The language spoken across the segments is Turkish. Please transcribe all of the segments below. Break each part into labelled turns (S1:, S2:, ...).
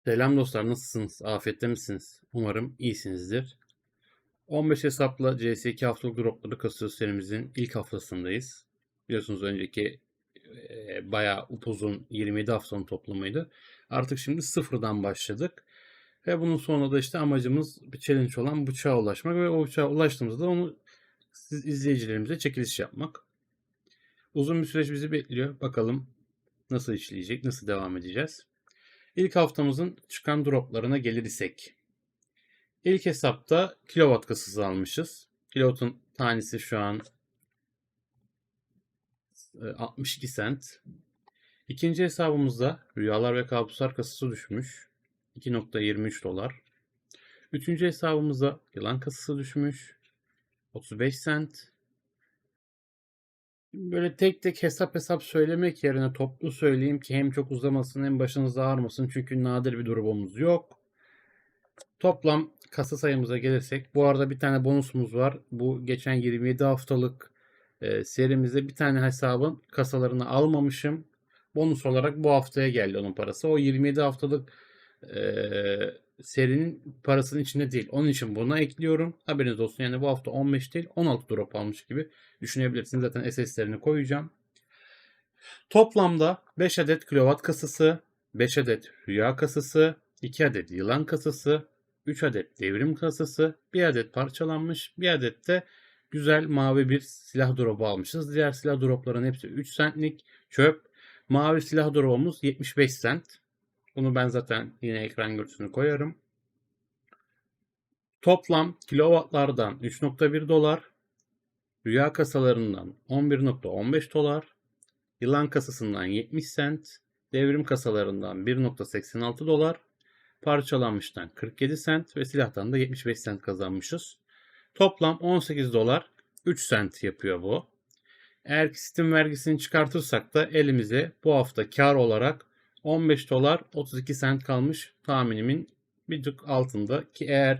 S1: Selam dostlar, nasılsınız? Afiyette misiniz? Umarım iyisinizdir. 15 hesapla CS2 haftalık dropları kasıyor serimizin ilk haftasındayız. Biliyorsunuz önceki bayağı upuzun 27 haftanın toplamıydı. Artık şimdi sıfırdan başladık. Ve bunun sonunda da işte amacımız bir challenge olan bıçağa ulaşmak ve o bıçağa ulaştığımızda onu siz izleyicilerimize çekiliş yapmak. Uzun bir süreç bizi bekliyor. Bakalım nasıl işleyecek, nasıl devam edeceğiz. İlk haftamızın çıkan droplarına gelir isek. İlk hesapta kilowatt kasası almışız. Kilowatt'ın tanesi şu an 62 cent. İkinci hesabımızda rüyalar ve kabuslar kasası düşmüş. 2.23 dolar. Üçüncü hesabımızda yılan kasası düşmüş. 35 cent. Böyle tek tek hesap söylemek yerine toplu söyleyeyim ki hem çok uzamasın hem başınız ağrımasın. Çünkü nadir bir durumumuz yok. Toplam kasa sayımıza gelirsek, bu arada bir tane bonusumuz var. Bu geçen 27 haftalık serimizde bir tane hesabın kasalarını almamışım. Bonus olarak bu haftaya geldi onun parası. O 27 haftalık serinin parasının içinde değil. Onun için buna ekliyorum. Haberiniz olsun. Yani bu hafta 15 değil 16 drop almış gibi düşünebilirsiniz. Zaten SS'lerini koyacağım. Toplamda 5 adet kilowatt kasası, 5 adet rüya kasası, 2 adet yılan kasası, 3 adet devrim kasası, 1 adet parçalanmış, 1 adet de güzel mavi bir silah drop'u almışız. Diğer silah drop'ların hepsi 3 centlik çöp. Mavi silah drop'umuz 75 cent. Bunu ben zaten yine ekran görüntüsünü koyarım. Toplam kilowattlardan 3.1 dolar, rüya kasalarından 11.15 dolar, yılan kasasından 70 cent, devrim kasalarından 1.86 dolar, parçalanmıştan 47 cent ve silahtan da 75 cent kazanmışız. Toplam 18 dolar 3 cent yapıyor bu. Eğer ki Steam vergisini çıkartırsak da elimize bu hafta kar olarak 15 dolar 32 cent kalmış, tahminimin bir tık altında ki eğer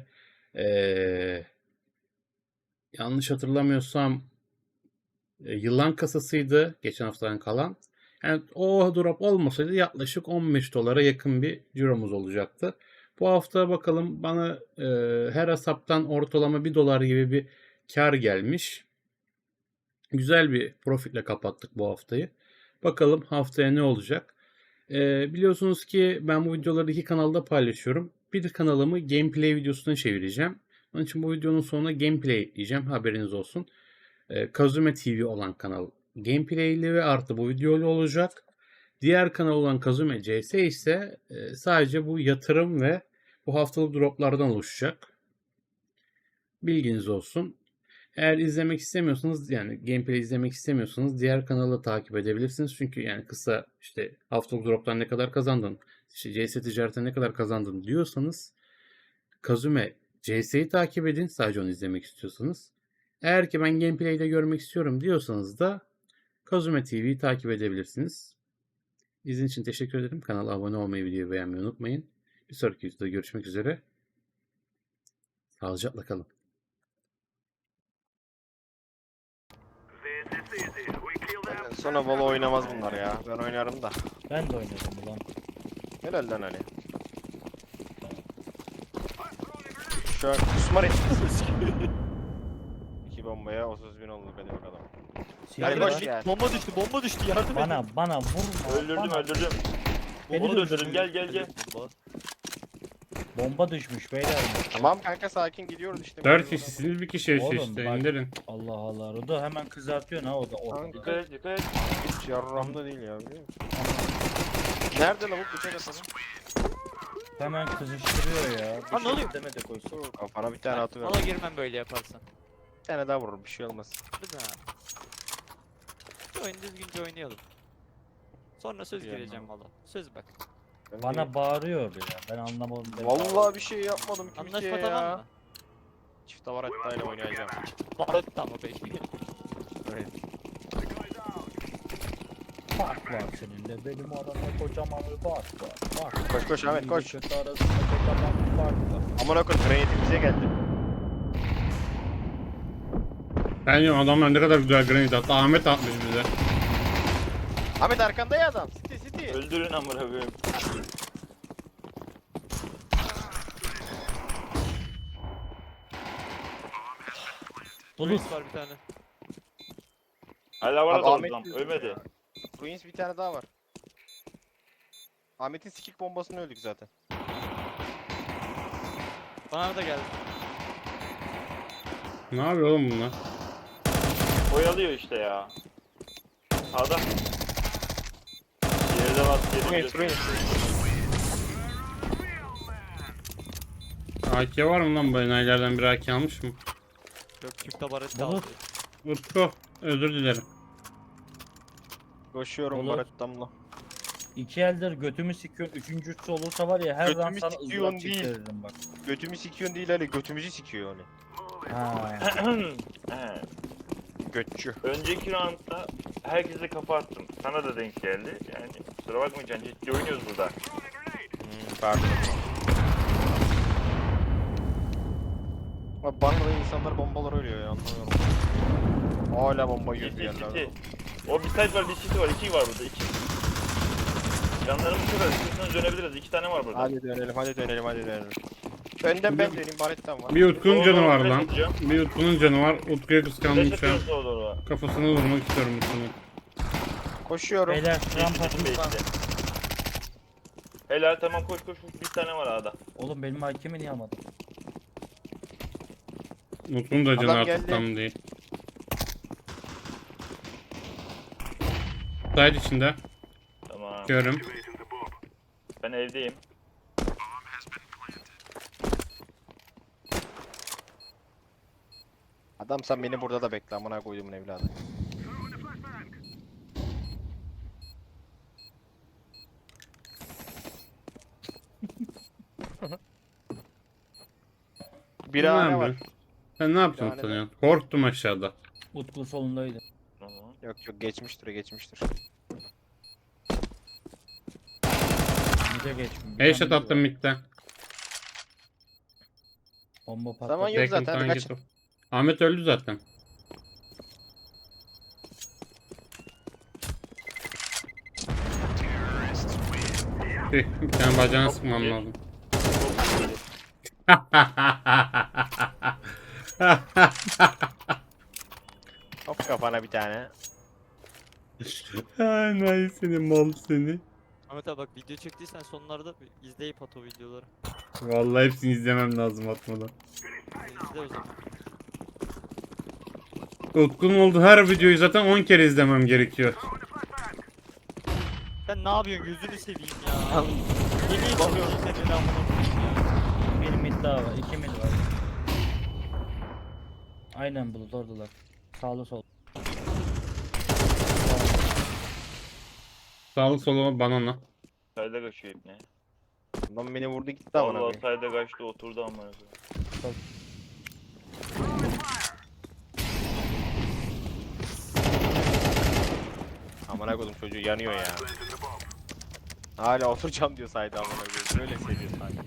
S1: yanlış hatırlamıyorsam yılan kasasıydı geçen haftadan kalan. Yani o drop olmasaydı yaklaşık 15 dolara yakın bir ciromuz olacaktı. Bu hafta bakalım bana her hesaptan ortalama 1 dolar gibi bir kar gelmiş. Güzel bir profitle kapattık bu haftayı. Bakalım haftaya ne olacak. Biliyorsunuz ki ben bu videoları iki kanalda paylaşıyorum. Bir kanalımı gameplay videosuna çevireceğim. Onun için bu videonun sonuna gameplay ekleyeceğim. Haberiniz olsun. Kazume TV olan kanal gameplay'li ve artı bu videolu olacak. Diğer kanal olan Kazume CS ise sadece bu yatırım ve bu haftalık droplardan oluşacak. Bilginiz olsun. Eğer izlemek istemiyorsanız, yani gameplay izlemek istemiyorsanız diğer kanalı takip edebilirsiniz. Çünkü yani kısa işte haftalık droptan ne kadar kazandın, işte CS ticaretten ne kadar kazandın diyorsanız Kazume CS'yi takip edin, sadece onu izlemek istiyorsanız. Eğer ki ben gameplay'de görmek istiyorum diyorsanız da Kazume TV'yi takip edebilirsiniz. İzlediğiniz için teşekkür ederim. Kanala abone olmayı, videoyu beğenmeyi unutmayın. Bir sonraki videoda görüşmek üzere. Sağlıcakla kalın.
S2: Sonra Valo oynamaz bunlar ya. Ben oynarım da.
S3: Ben de oynadım ulan.
S2: Helal lan Ali. Şu an kusmar etmişsiniz. 2 bombaya 30.000 olduk, hadi bakalım.
S3: Siyah
S2: boş
S3: var.
S2: ver.
S4: Bomba düştü yardım edin.
S3: Bana vurma.
S4: Öldürdüm
S3: bana.
S4: öldürdüm.
S3: Beni
S4: Onu
S3: de
S4: da öldürdüm,
S3: öldürdün.
S4: gel.
S3: Bomba düşmüş beyler.
S2: Tamam kanka, sakin gidiyoruz işte.
S1: 4 kişisiniz, bir kişi yaşıyor
S3: Oğlum
S1: işte,
S3: bak.
S1: indirin.
S3: Allah Allah. Rudo hemen kızartıyorsun ha o da orada.
S4: Dikkat et.
S2: Hiç yarramda değil ya, biliyor musun? Nerede lavuk, bıçak atalım.
S3: Hemen kızıştırıyor ya.
S4: Lan ne oluyor?
S3: Deme de koysun.
S2: Kafana bir tane atıver.
S4: Valla girmem böyle yaparsan.
S2: Bir tane daha vurur, bir şey olmaz.
S4: Güzel. Şu oyunu düzgünce oynayalım. Sonra söz
S2: Yapma.
S4: gireceğim valla. Söz bak.
S2: Ben
S3: Bana bağırıyor ya. Ben anlamadım.
S2: Vallahi bir şey yapmadım ki
S4: Anlaşma tamam mı?
S2: Çift tavarattayla oynayacağım.
S4: Barut tamam peki.
S2: Evet.
S3: Fark var seninle. Benim arada kocaman bir fark var. Fark var.
S2: Koş Ahmet, koş.
S3: İyi kötü arasında kocaman bir fark var.
S2: Amına koyayım, granate bize geldi.
S1: Ben diyorum adamlar ne kadar güzel granit attı. Ahmet atmış bize.
S2: Ahmet arkanda ya adam. City.
S4: Öldürün amına koyayım.
S3: Bulut.
S4: Ruins var bir tane.
S5: Hala var
S2: Abi
S5: da
S2: Ahmet
S5: oradan.
S2: diyorsun
S5: Ölmedi.
S2: ya. Ruins bir tane daha var. Ahmet'in sikik bombasını öldük zaten.
S4: Bana da geldi.
S1: Ne yapıyor oğlum bunlar?
S5: Oyalıyor işte ya. Sağda. Geride bas,
S2: Ruins,
S5: geride.
S2: Ruins.
S1: AK var mı lan bu enayilerden biri AK almış mı?
S4: Yok çift tabaret
S3: Bulut.
S4: aldı.
S1: Utku özür dilerim.
S2: Koşuyorum
S3: Olur.
S2: Barettam'la.
S3: 2 eldir götümü sikiyorsun. Üçüncüsü olursa var ya her zaman
S2: Götümü
S3: sana
S2: sikiyorsun
S3: ızrak
S2: değil.
S3: çektiririm bak.
S2: Götümü sikiyorsun değil Ali, götümüzü sikiyor Ali.
S3: Ha.
S5: He.
S2: Götçü.
S5: Önceki roundda herkese kafa attım. Sana da denk geldi. Yani kusura bakmayacaksın, ciddi oynuyoruz burada.
S2: Pardon. Abi bana da insanlar bombalar ölüyor ya, anlamıyorum. Hala bomba yiyor bir
S5: City,
S2: yerlerde.
S5: City. O bir site var, bir city var. 2 var burada, 2. Canlarımız çok az. İstiyorsanız dönebiliriz. 2 tane var burada.
S2: Hadi dönelim, hadi dönelim, hadi dönelim. Önden ben döneyim, Barettam var.
S1: Bir Utku'nun canı var
S5: Flash
S1: lan.
S5: atacağım.
S1: Bir Utku'nun canı var. Utku'ya
S5: Flash
S1: kıskandım şu an.
S5: atıyorum sola doğru.
S1: Kafasını vurmak istiyorum Utku'nun.
S2: Koşuyorum.
S3: Beyler
S5: Geçtim
S3: rampasımız var.
S5: base'de. Helal, tamam, koş koş koş. Bir tane var A'da.
S3: Oğlum benim hakemi niye almadın?
S1: Utku'nun da canı
S2: Adam
S1: artık
S2: geldi.
S1: tam değil. Side içinde.
S5: Tamam.
S1: Görüm.
S5: Ben evdeyim.
S2: Adam sen beni burada da bekle, amına koyduğumun evladı. Bir
S1: Ne
S2: hane var.
S1: yapıyorsun? Sen ne yaptın
S2: Yani ben-
S1: sanıyorsun? Korktum aşağıda.
S3: Utku solundaydı.
S5: Tamam.
S2: Yok yok, geçmiştir geçmiştir.
S3: Nice geçmiyor.
S1: Headshot attım midden.
S3: Bomba patladı.
S2: Zaman yok zaten,
S1: Teknik
S2: hadi kaç.
S1: tank Ahmet öldü zaten. Bir tane bacağına
S5: Çok
S1: sıkmam
S5: iyi.
S1: lazım.
S2: Hop kafana bir tane.
S1: Ay seni mal seni.
S4: Ahmet abi bak video çektiysen sonlarda bir izleyip at o videoları.
S1: Vallahi hepsini izlemem lazım atmadan.
S4: İzle o zaman.
S1: Utku'nun olduğu her videoyu zaten 10 kere izlemem gerekiyor.
S4: Sen ne yapıyorsun gözünü seveyim ya. Yemin ediyorum seni lan bunu.
S3: Bir mid daha var. 2 mid var. Aynen Bulut oradalar. Sağlı sol.
S1: Sağlı solu banana.
S5: Sayda kaçıyor ipne.
S2: Adam beni vurdu gitti amına
S5: Allah
S2: koyayım.
S5: sayda kaçtı, oturdu amına koyayım.
S2: Amına koydum, çocuğu yanıyor ya. Hala oturacağım diyor saydı amına koyayım. Böyle seviyor saydı.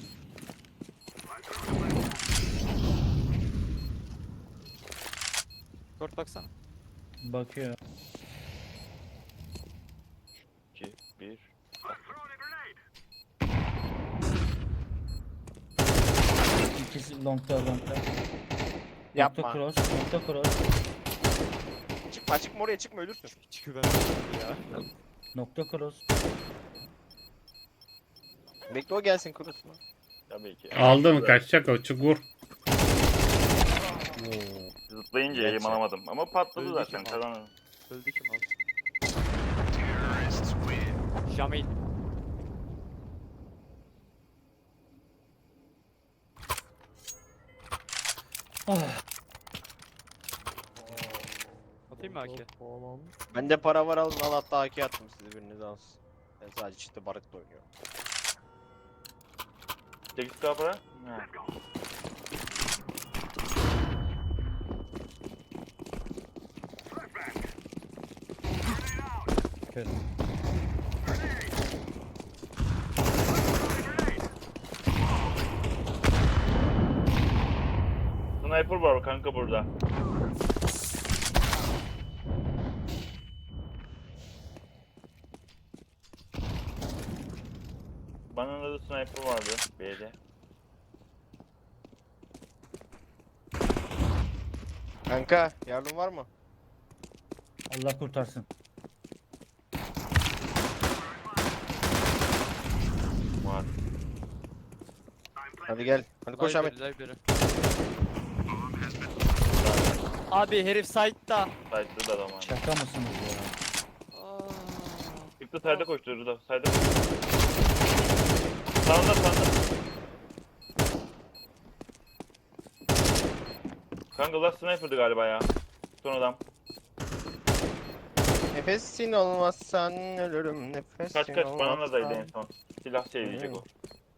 S4: Kort baksana.
S3: Bakıyor.
S5: 2, 1.
S3: İkisi longta longta.
S2: Yapma.
S3: Nokta cross. Nokta cross.
S2: Çıkma çıkma, oraya çıkma, ölürsün.
S4: Hiç güvenmiyorum ya.
S3: Nokta cross.
S2: Bekle o gelsin kurusuna.
S5: Tabii ki.
S1: Aldı mı kaçacak o çukur.
S5: Zıplayınca
S2: Gerçi.
S5: elim alamadım. Ama patladı
S4: Öldü
S5: zaten.
S4: kim abi?
S5: Kazandı.
S4: Öldü kim abi? Jamil.
S3: Ah.
S4: Atayım mı AK?
S2: Bende para var, alın al, hatta AK attım size, biriniz alsın. Ben sadece çifte barıkla oynuyorum.
S5: 8K para? Ha.
S3: Kör.
S5: Sniper var kanka burada. Bana da sniper vardı B'de.
S2: Kanka yardım var mı?
S3: Allah kurtarsın.
S5: Var.
S2: Hadi gel. Hadi koş Ahmet.
S4: Library. Abi herif site'da.
S5: Side'da da adam var.
S3: Şaka mısınız ya?
S5: Çıktı side'e koştu Rıza. Side'e koştu. Sağında sağında. Kanka last sniper'dı galiba ya. Son adam.
S2: Nefesin olmazsan ölürüm nefesin
S5: Kaç kaç
S2: olmazsan.
S5: bananadaydı en son. Silah çevirecek o.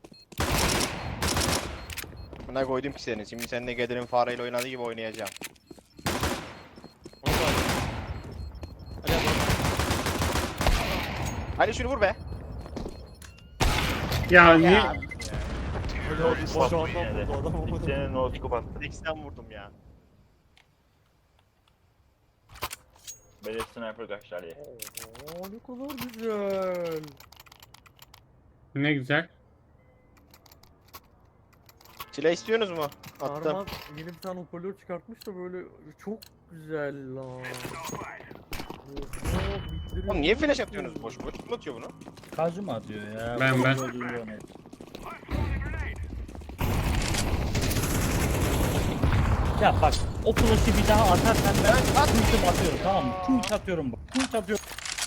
S2: Buna koydum ki seni. Şimdi seninle gelirim fareyle oynadığı gibi oynayacağım.
S4: Onu da al. Hadi abi.
S2: Hadi şunu vur be.
S1: Ya niye?
S2: Ya.
S4: Öyle
S5: No
S4: oldu.
S5: scope
S4: Şu
S5: attı
S4: anda
S5: yine de.
S4: buldu adam
S5: İki
S4: olmadı.
S5: tane no scope attı.
S2: 80 vurdum ya.
S5: Böyle sniper kaçlar ya.
S4: Oo ne kadar güzel.
S1: Ne güzel.
S2: Silah istiyorsunuz mu? Attım.
S4: Arman yeni bir tane hoparlör çıkartmış da böyle çok güzel lan.
S2: Oğlum niye flash atıyorsunuz boş boş? Kim atıyor bunu?
S3: Kazım atıyor ya.
S1: Ben.
S3: Oluyor net. Ya bak o flash'ı bir daha atarsan ben kuytu atıyorum tamam mı? Kuytu atıyorum bak. Kuytu atıyorum.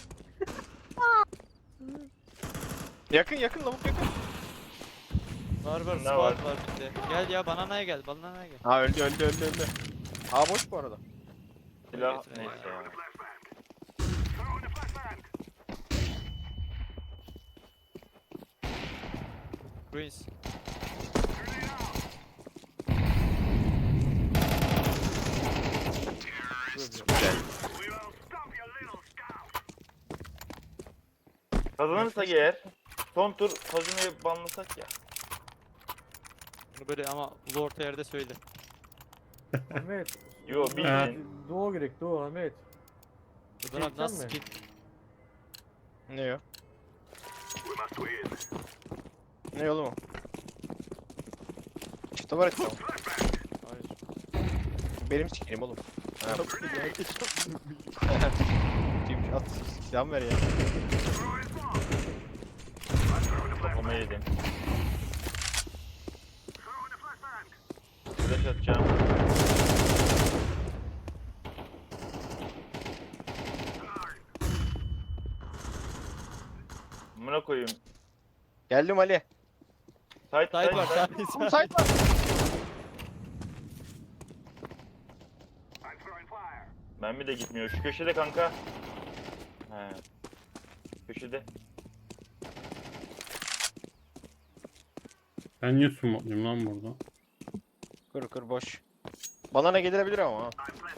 S2: Yakın yakın lavuk yakın.
S4: Var var
S5: Ne
S4: squad
S5: var?
S4: var bizde. Gel ya bananaya gel bananaya gel.
S2: Ha öldü öldü öldü öldü. Ha boş bu arada.
S5: Silah
S4: Getir
S5: neyse
S4: ya.
S5: ya.
S4: Ruins.
S2: Güzel.
S5: Kazanırsak eğer son tur Kazuna'yı banlasak ya.
S4: Bunu böyle ama ulu orta yerde söyle.
S6: Ahmet.
S5: Yo
S1: Ha.
S5: bildiğin.
S6: Doğu gerek Doğu Ahmet.
S4: Buradan abi nasıl
S6: Çekecek
S4: skin?
S2: Ne o? Ne oğlum o? Çifte var etti
S4: Hayır.
S2: Benim sikerim oğlum. Ha. Kim at silah ver ya.
S5: Kafama yedim. Flash atacağım. Amına koyayım.
S2: Geldim Ali.
S5: Side
S4: Side
S5: side
S4: var
S5: side.
S4: side.
S2: Oğlum site var.
S5: Mermi de gitmiyor. Şu köşede kanka. He. Köşede.
S1: Ben niye smokluyum lan burada?
S2: Kır kır boş. Bana ne gelebilir ama ha.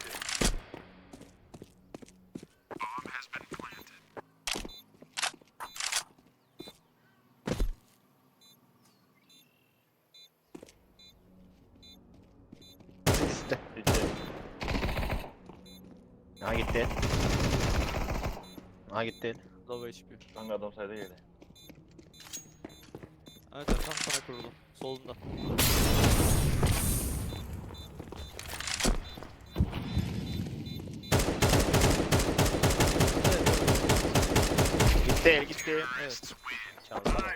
S2: Gitti.
S5: Bitti.
S2: Ha gitti. Ha gitti.
S4: Lava HP.
S5: Kanka adam side'a geldi.
S4: Evet tam sana kuruldum. Solunda.
S2: Gitti el gitti.
S4: Evet.
S2: Çalsana.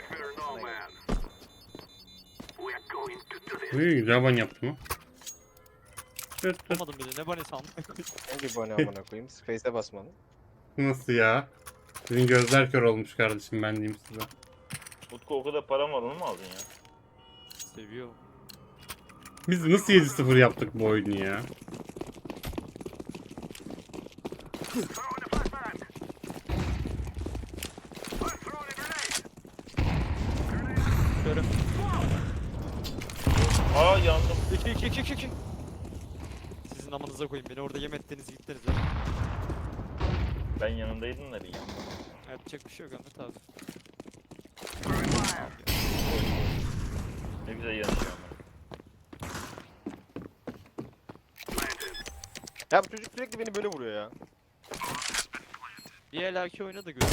S1: Uy güzel ban yaptım ha. Tıt tıt.
S4: Yapamadım bile ne bani sandım.
S2: Hangi bana amına koyayım? Space'e basmadın.
S1: Nasıl ya? Sizin gözler kör olmuş kardeşim ben diyeyim size.
S5: Utku o kadar param var onu mu aldın ya?
S4: Seviyorum.
S1: Biz nasıl 7-0 yaptık bu oyunu ya?
S4: Görüm.
S5: Aa yandım.
S4: 2. Sizin amanıza koyayım beni orada yem ettiniz gittiniz ya.
S5: Ben yanındaydım da bir yandım.
S4: Yapacak bir şey yok Ahmet abi.
S5: Ne güzel yanışıyor ama.
S2: Ya bu çocuk sürekli beni böyle vuruyor ya.
S4: Bir el AK oyna da görüyorum.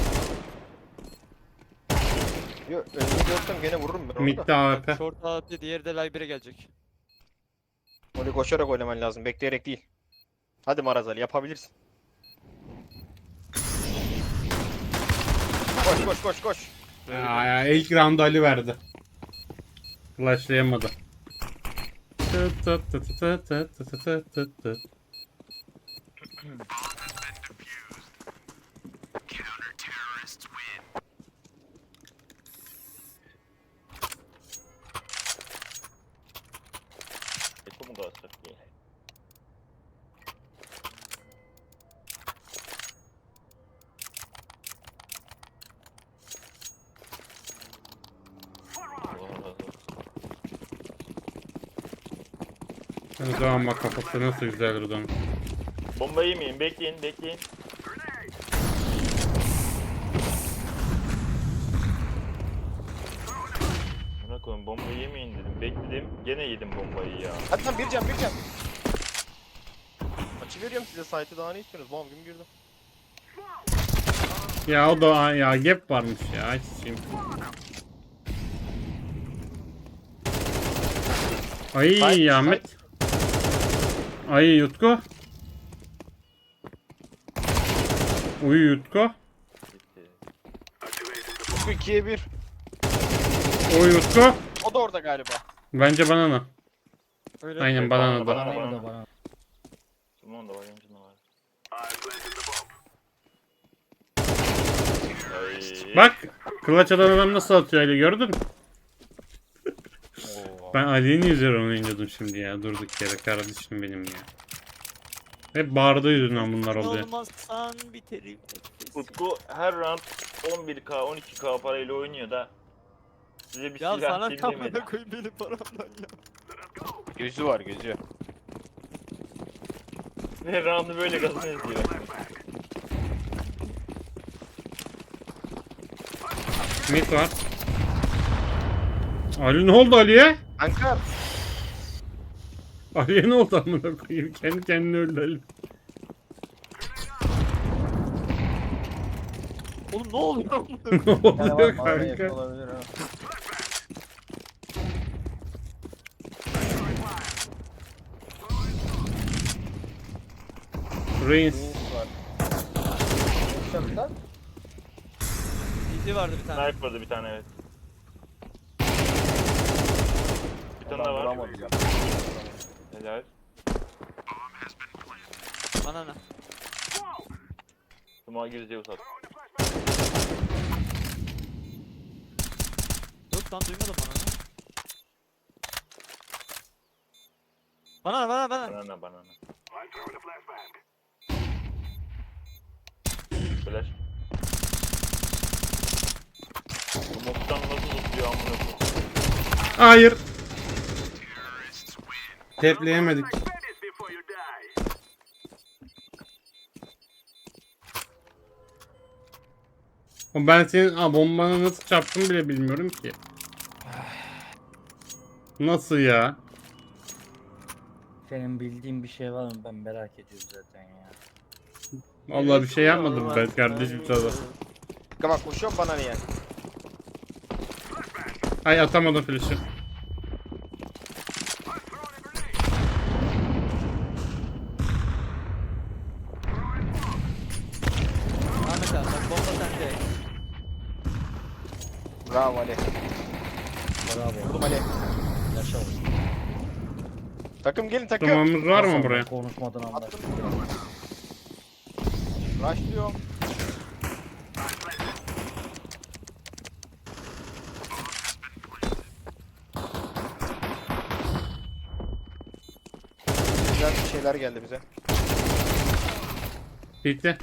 S2: Yo önümü görsem gene vururum ben onu da.
S1: Mid'de AWP.
S4: Short AP diğeri de library'e gelecek.
S2: Öyle koşarak oynaman lazım. Bekleyerek değil. Hadi Marazali yapabilirsin. Koş koş koş koş.
S1: Ya, ilk roundu Ali verdi. Flashlayamadı. Tıt tıt tıt tıt tıt tıt tıt tıt tıt.
S5: Eko mu kalsak diye. Allah razı olsun.
S1: O zaman bak kafası nasıl güzel Rudon.
S5: Bombayı yemeyin, bekleyin, bekleyin. Buna koyun, bombayı yemeyin dedim, bekledim, gene yedim bombayı ya.
S2: Hadi lan bir can bir can. Açı veriyorum size site'ı daha ne istiyorsunuz? Bom gün girdim.
S1: Ya o da ya gap varmış ya. Hiçim. Ay
S2: Side,
S1: Ahmet. Ay Yutku. Uy Yutku.
S5: Bitti.
S2: Utku 2'ye 1.
S1: Uy Yutku.
S2: O da orada galiba.
S1: Bence banana.
S4: Öyle.
S1: Aynen
S5: Evet,
S1: banana da.
S5: banana.
S3: Bana da bana.
S5: Simon da var, yancın da var. Ay.
S1: Bak. Kılıç adam nasıl atıyor Ali gördün mü? Ben Ali'nin üzerine oynuyordum şimdi ya. Durduk yere kardeşim benim ya. Hep bağırdığı yüzünden bunlar oluyor.
S4: Olmazsan biterim.
S5: Utku her round 11k 12k parayla oynuyor da size bir
S4: Ya
S5: silah
S4: sana
S5: demedi.
S4: kamera koyayım benim paramdan ya.
S2: Gözü var gözü.
S5: Ve roundu böyle kazanıyoruz diyor.
S1: Mid var. Ali ne oldu Ali'ye?
S2: Kanka.
S1: Ali'ye ne oldu amına koyayım? Kendi kendine öldü Ali.
S4: Oğlum ne oluyor?
S1: Ne oluyor kanka?
S2: Olabilir ha.
S1: Reigns.
S2: var.
S4: Bildi vardı bir tane.
S5: Sniper vardı bir tane evet. Bir tane daha var. Helal.
S4: Bana ne?
S5: Tuma gireceği uzat.
S4: Yok lan duymadım bana ne? Bana.
S5: Banana. Flash. Bu moktan nasıl tutuyor amına koyayım?
S1: Hayır. Tepleyemedik. Ben senin bombana nasıl çarptım bile bilmiyorum ki. Nasıl ya?
S3: Senin bildiğin bir şey var mı? Ben merak ediyorum zaten ya.
S1: Vallahi bir şey yapmadım ben kardeşim sana.
S2: Kanka bak koşuyorum bana niye?
S1: Ay atamadım flash'ı.
S4: Ahmet abi bak bomba sende.
S2: Bravo Ali.
S3: Bravo.
S2: Vurdum Ali.
S3: Yaşa olsun.
S2: Takım gelin takım.
S1: Tamamımız var mı
S3: Hasan,
S1: buraya?
S3: konuşmadan anlaştık.
S2: Rushlıyorum. Güzel bir şeyler geldi bize.
S1: Bitti.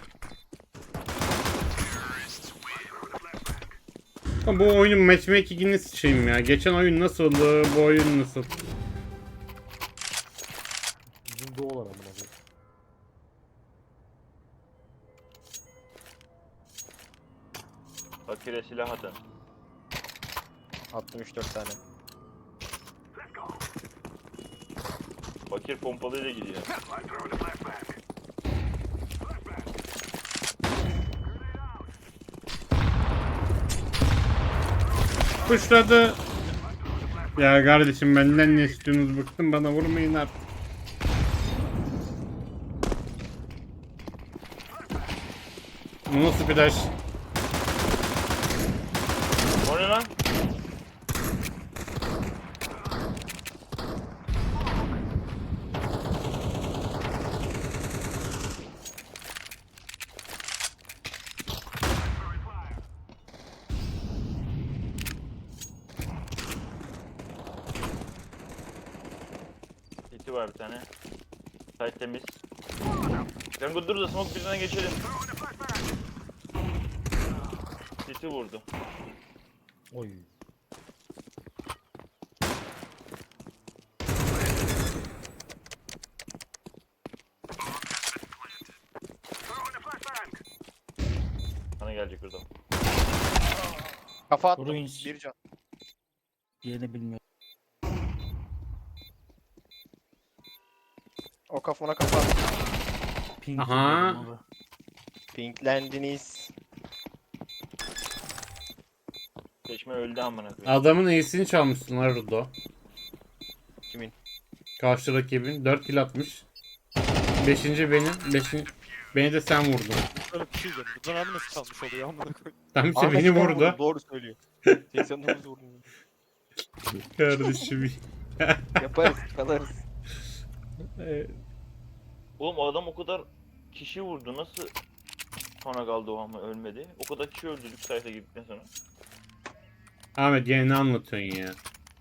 S1: Bu oyunun matchmaking'ini sıçayım ya. Geçen oyun nasıldı, bu oyun nasıl?
S6: Bizim doğular amına koyayım.
S5: Fakire silah atın.
S2: Attım 3-4 tane.
S5: Fakir pompalıyla gidiyor.
S1: Kuşladı. Ya kardeşim benden ne istiyorsunuz bıktım bana vurmayın artık. Bu nasıl flash?
S5: O ne lan? City var bir tane. Site temiz. Kanka dur da smoke birine geçelim. City vurdu.
S3: Oy.
S5: Sana gelecek burada.
S2: Kafa attım.
S3: Ruins.
S2: Bir can.
S3: Yerini bilmiyorum.
S2: O kafana kafa attım.
S3: Pink
S1: Aha.
S3: yedim abi.
S2: Pinklendiniz.
S5: Seçme öldü amına koyayım.
S1: Adamın iyisini çalmışsın lan Rudo.
S2: Kimin?
S1: Karşı rakibin 4 kill atmış. 5. benim. 5. Beni de sen vurdun.
S4: Öyle bir şey diyeceğim. Bundan abi nasıl kalmış oluyor amına koyayım.
S1: Tam işte
S2: Ahmet
S1: beni
S2: sen
S1: vurdu.
S2: vurdun, doğru söylüyor. 89 vurdum.
S1: Kardeşim.
S2: Yaparız, kalırız.
S5: Oğlum o adam o kadar kişi vurdu. Nasıl sonra kaldı o ama ölmedi? O kadar kişi öldürdük site'e girdikten sonra.
S1: Ahmet yine ne anlatıyorsun ya?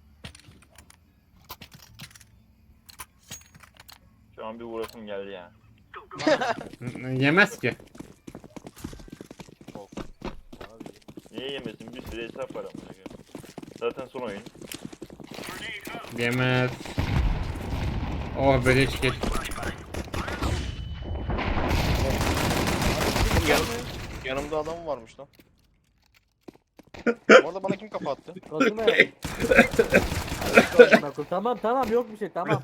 S5: Şu an bir vurasım geldi ya.
S1: Yemez ki.
S5: Niye yemesin? Bir sürü hesap var amına koyayım. Zaten son oyun.
S1: Yemez. Oh beleş gel.
S2: Yanımda adam varmış lan. Orada bana kim kafa attı?
S6: Kazıma Tamam tamam yok bir şey tamam.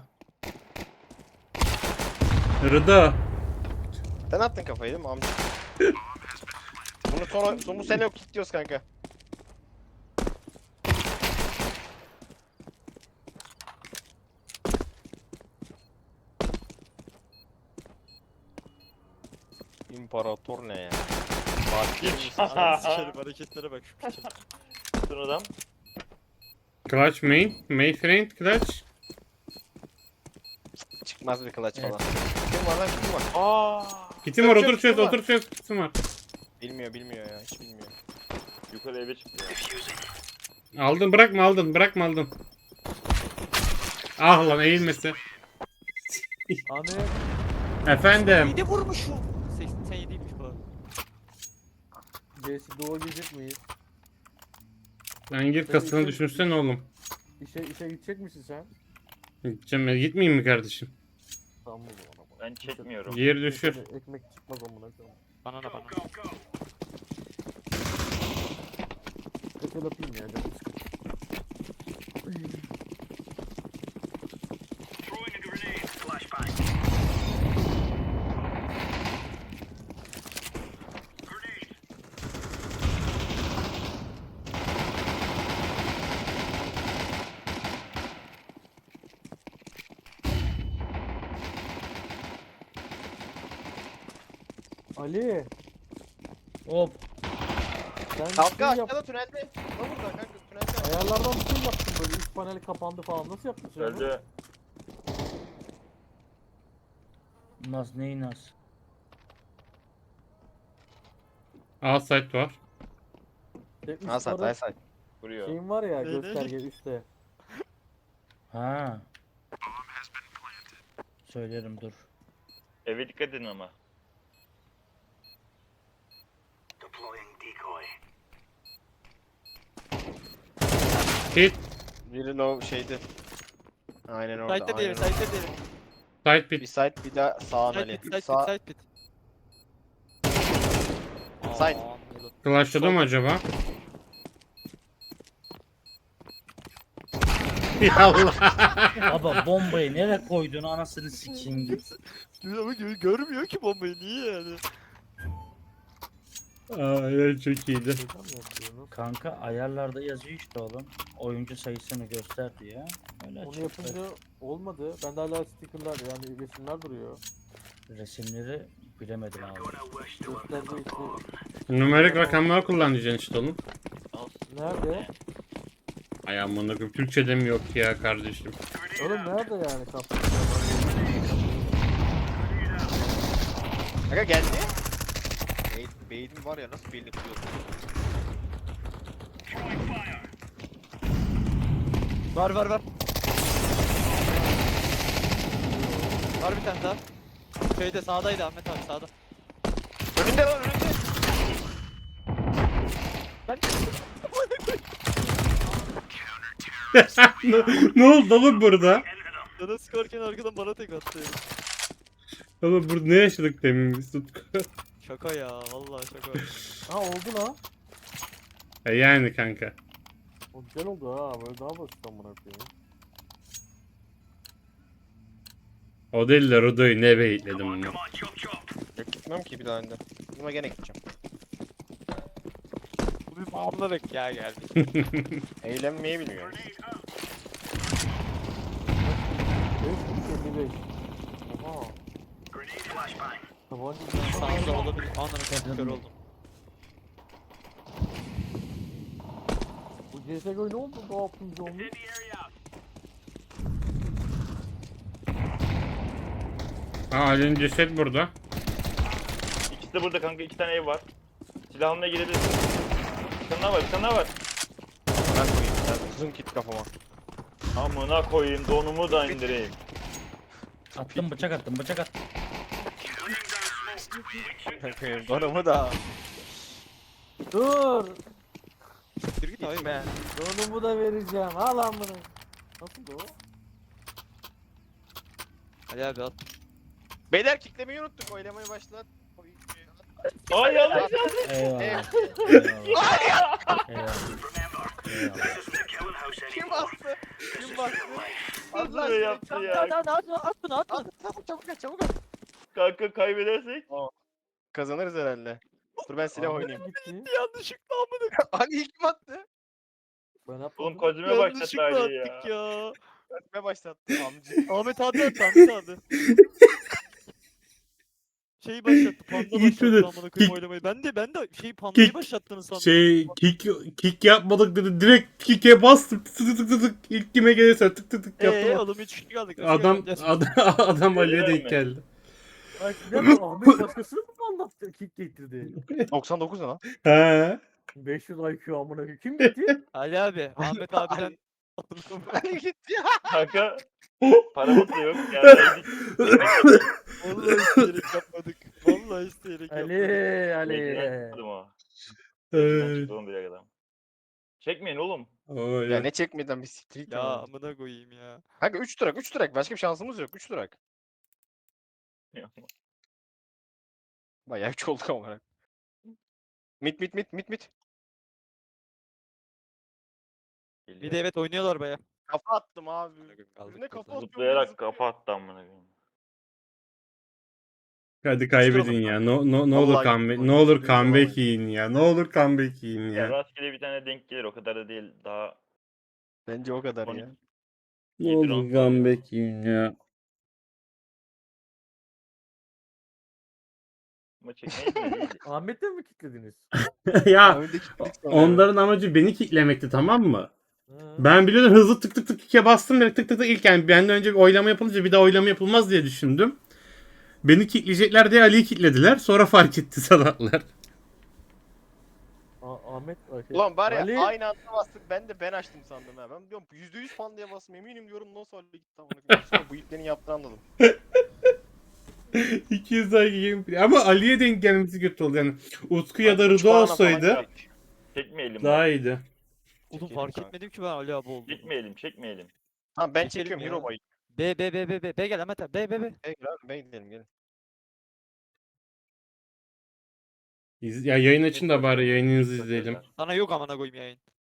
S1: Rıda.
S2: Sen attın kafayı değil mi amca? Bunu sonra bu sene yok gidiyoruz kanka. İmparator ne ya?
S4: Sikerim hareketlere bak şu piçe.
S5: Son adam.
S1: Clutch main. Main friend clutch.
S2: Çıkmaz bir kılıç falan. Kim var lan kim var?
S1: Kitim var
S2: Yok,
S1: otur
S2: yok,
S1: çöz
S2: kitim var.
S1: otur çöz kitim var.
S2: Bilmiyor ya hiç bilmiyor.
S5: Yukarı eve çıktı ya.
S1: Aldın bırakma aldın. Ah lan eğilmesi.
S6: Ahmet
S1: Efendim.
S4: Bir de vurmuşum. 87'ymiş bu.
S6: CS Doğu'a gidecek miyiz?
S1: Sen gir kasını düşünsene oğlum.
S6: İşe gidecek misin sen?
S1: Gitmeyeyim mi kardeşim?
S6: Tamam o zaman.
S5: Ben çekmiyorum.
S1: Gir düşür.
S6: Ekmek çıkmaz amına koyayım.
S4: Bana ne bana.
S6: Kötü yapayım ya canım sıkıntı. Ali
S3: Hop.
S6: sen
S2: Kanka
S6: şey yap.
S2: aşağıda tünelde. Ne burada kanka tünelde.
S6: Ayarlardan bir şey yaptın böyle üst paneli kapandı falan nasıl yaptın sen onu?
S5: Öldü.
S3: Nasıl neyi nasıl?
S1: A site var.
S6: Üst
S2: Asat
S6: panel
S2: asat.
S5: Vuruyor.
S6: Şeyin var ya
S4: Neydi?
S6: gösterge üstte.
S3: Ha. Söylerim dur.
S5: Eve dikkat edin ama.
S1: Hit.
S2: Biri low şeydi. Aynen orada.
S4: Site'de
S2: aynen
S4: diyelim,
S2: orada.
S4: site'de diyelim.
S1: Site
S2: Bir
S1: bit.
S2: side bir daha sağ
S4: Site
S2: Ali.
S4: bit, site bit,
S2: Sağ
S4: site bit.
S2: Site.
S4: Aa, Milo.
S1: Clutchladı mı acaba? Ya Allah.
S3: Baba bombayı nereye koydun anasını sikeyim git.
S4: Ama görmüyor ki bombayı niye yani?
S1: Ay çok iyiydi.
S6: Şeyden mi yapıyorsunuz?
S3: Kanka ayarlarda yazıyor işte oğlum. Oyuncu sayısını göster diye. Öyle
S6: Onu
S3: açık.
S6: yapınca olmadı. Bende hala stickerlar yani resimler duruyor.
S3: Resimleri Bilemedim abi.
S6: Gösterge işte.
S1: Numerik rakamlar kullanacaksın işte oğlum.
S6: Nerede?
S1: Ay amına koyayım, Türkçe'de mi yok ya kardeşim?
S6: Oğlum nerede yani kapı?
S2: Aga geldi. Beynim var ya nasıl belli kılıyor.
S4: Var. Var bir tane daha. Şeyde sağdaydı Ahmet abi sağda.
S2: Önünde lan önünde.
S1: Ne oldu oğlum burada?
S4: Sana sıkarken arkadan bana tek attı.
S1: Oğlum burada ne yaşadık demin biz Tutku?
S4: Şaka ya vallahi şaka.
S6: Ha oldu lan.
S1: Yani kanka.
S6: O güzel oldu ha. Böyle daha basit amına koyayım.
S1: O değil de Rudo'yu ne beyitledim bunu.
S2: Yok gitmem ki bir daha önden. Ama gene gideceğim.
S4: Bu bir bağımlılık ya geldi.
S2: Eğlenmeyi bilmiyorum.
S6: 555. Oha. Tabanca
S4: Sağda olabilir. Anladım kör oldum.
S6: Bu CSGO ne oldu? Daha optimize olmuş.
S1: Aa Ali'nin ceset burada.
S5: İkisi de burada kanka, 2 tane ev var. Silahımla girebilirsin. Bir tane daha var, bir tane daha var.
S2: Ben koyayım. Sen zoom kit kafama.
S5: Amına koyayım, donumu da indireyim.
S3: Attım bıçak attım.
S2: Donumu da.
S6: Dur.
S4: Siktir git hayır.
S2: Gitme.
S6: Donumu da vereceğim. Al lan bunu. Nasıl o?
S4: Hadi abi at.
S2: Beyler kicklemeyi unuttuk. Oylamayı başlat.
S5: Ay yanlış.
S3: Eyvallah.
S2: Evet.
S3: Eyvallah. Eyvallah.
S2: Kim bastı? Kim bastı?
S5: Nasıl
S2: Allah
S5: böyle yaptı ya?
S4: At bunu at.
S2: Çabuk at çabuk at.
S5: Kanka kaybedersek.
S2: Kazanırız herhalde. Dur ben silah oynayayım.
S6: Gitti.
S4: Yanlışlıkla amına.
S2: Ali ilk mi attı?
S6: Ben
S5: Oğlum
S6: yapmadım.
S5: kozime başlattı
S4: Yanlışlıkla
S5: Ali ya.
S4: attık ya.
S2: Kime başlattı amcık.
S4: Ahmet abi attı Ahmet abi. Şeyi başlattı panda
S1: İyi şöyle
S4: başlattı amına koyayım oylamayı. Ben de şey pandayı başlattığını sandım.
S1: Kick yapmadık dedi. Direkt kick'e bastım. Tık tık tık tık. İlk kime gelirse tık tık tık yaptım.
S4: Oğlum 3 kişi kaldık.
S1: Adam Ali'ye denk geldi.
S6: Bak bir dakika Ahmet başkasını mı anlattı? Kick getirdi.
S2: 99 ne lan?
S1: He.
S6: 500 IQ amına koyayım. Kim gitti?
S4: Ali abi Ahmet abiden
S2: Ali gitti ya.
S5: Kanka paramız da yok. Yani
S4: vallahi isteyerek yapmadık. Vallahi isteyerek yapmadık.
S6: Ali.
S5: yapmadım o.
S1: Ee,
S5: Çıktı oğlum direkt adam. Çekmeyin oğlum.
S1: oy.
S2: Ya ne çekmeden bir street
S4: Ya
S2: ya.
S4: amına koyayım ya.
S2: Kanka 3 durak 3 durak. Başka bir şansımız yok. 3 durak. Bayağı 3 olduk ama. Mit.
S4: Bir de evet oynuyorlar baya.
S2: Kafa attım abi.
S4: Kaldık
S2: Birine kafa
S4: burada.
S2: atıyorum.
S5: Zıplayarak kafa attı amına koyayım.
S1: Hadi kaybedin ya. Ne olur
S2: Vallahi
S1: comeback.
S2: gitti
S1: Ne
S2: oyun.
S1: olur
S2: Hiçbirimiz
S1: comeback
S2: olamayız.
S1: yiyin ya. Ne olur comeback yiyin
S5: Ya
S1: ya.
S5: rastgele bir tane denk gelir, o kadar da değil. Daha
S2: Bence o kadar ya.
S1: Ne
S5: iyi bir
S1: olur
S5: round var ya.
S1: comeback yiyin ya.
S5: Ama çekmeyiz mi?
S6: Ahmet'le mi kilitlediniz?
S1: Ya
S2: Öndeki klik sonra.
S1: onların amacı beni kicklemekti, tamam mı?
S6: Ha.
S1: Ben biliyorum hızlı tık tık tık kick'e bastım direkt tık tık tık ilk, yani benden önce bir oylama yapılınca bir daha oylama yapılmaz diye düşündüm. Beni kickleyecekler diye Ali'yi kicklediler. Sonra fark etti salaklar.
S6: Ahmet.
S2: Ulan bari
S6: Ali.
S2: aynı anda bastık. Ben açtım sandım ha. Ben diyorum %100 fan diye bastım. Eminim diyorum nasıl öyle gitti amına koyayım. Sonra bu iplerin yaptığını anladım.
S1: 200 like gameplay. Ama Ali'ye denk gelmesi kötü oldu yani. Utku ya da
S2: Üç
S1: Rıdo
S2: puana falan
S1: olsaydı
S2: geldik.
S5: Çekmeyelim.
S1: daha iyiydi.
S4: Oğlum
S2: Çekelim
S4: fark
S2: kanka.
S4: etmedim ki ben Ali abi oldum.
S5: Çekmeyelim.
S2: Tamam ben
S4: Çekelim
S2: çekiyorum
S4: ya.
S2: Hero Boy.
S4: B gel Ahmet abi B.
S2: Gel abi ben gidelim gelin.
S1: Ya yayın açın da bari yayınınızı izleyelim.
S4: Sana yok amına koyayım yayın.